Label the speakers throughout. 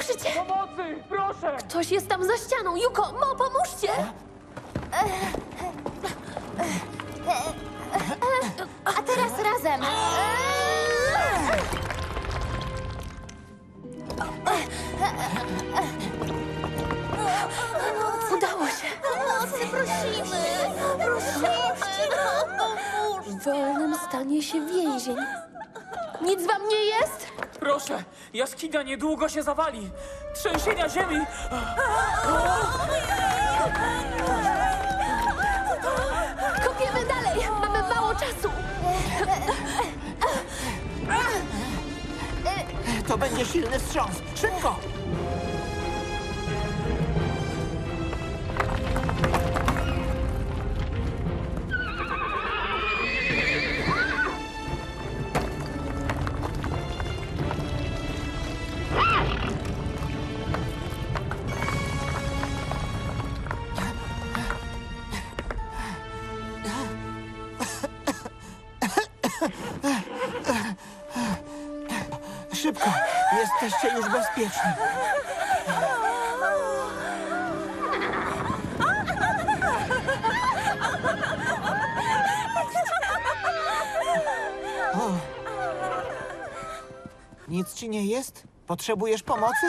Speaker 1: Słyszycie?
Speaker 2: Pomocy! Proszę!
Speaker 1: Ktoś jest tam za ścianą. Juko, Mo, pomóżcie!
Speaker 3: A teraz razem.
Speaker 1: Udało się.
Speaker 3: Pomocy prosimy. Prosimy. Pomóż.
Speaker 1: W wolnym stanie się więzień. Nic wam nie jest?
Speaker 2: Proszę! Jaskinia niedługo się zawali! Trzęsienia ziemi!
Speaker 1: Kopiemy dalej. Mamy mało czasu.
Speaker 4: To będzie silny wstrząs. Szybko! Szybko! Jesteście już bezpieczni. O. Nic ci nie jest? Potrzebujesz pomocy?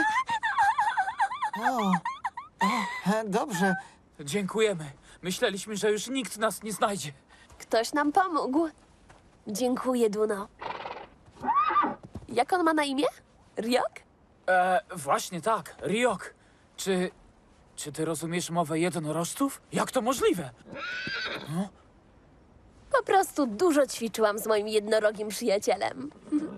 Speaker 4: O. Dobrze.
Speaker 2: Dziękujemy. Myśleliśmy, że już nikt nas nie znajdzie.
Speaker 1: Ktoś nam pomógł. Dziękuję, Duno. Jak on ma na imię? Ryok?
Speaker 2: Właśnie tak, Ryok. Czy ty rozumiesz mowę jednorożców? Jak to możliwe?
Speaker 1: Po prostu dużo ćwiczyłam z moim jednorogim przyjacielem.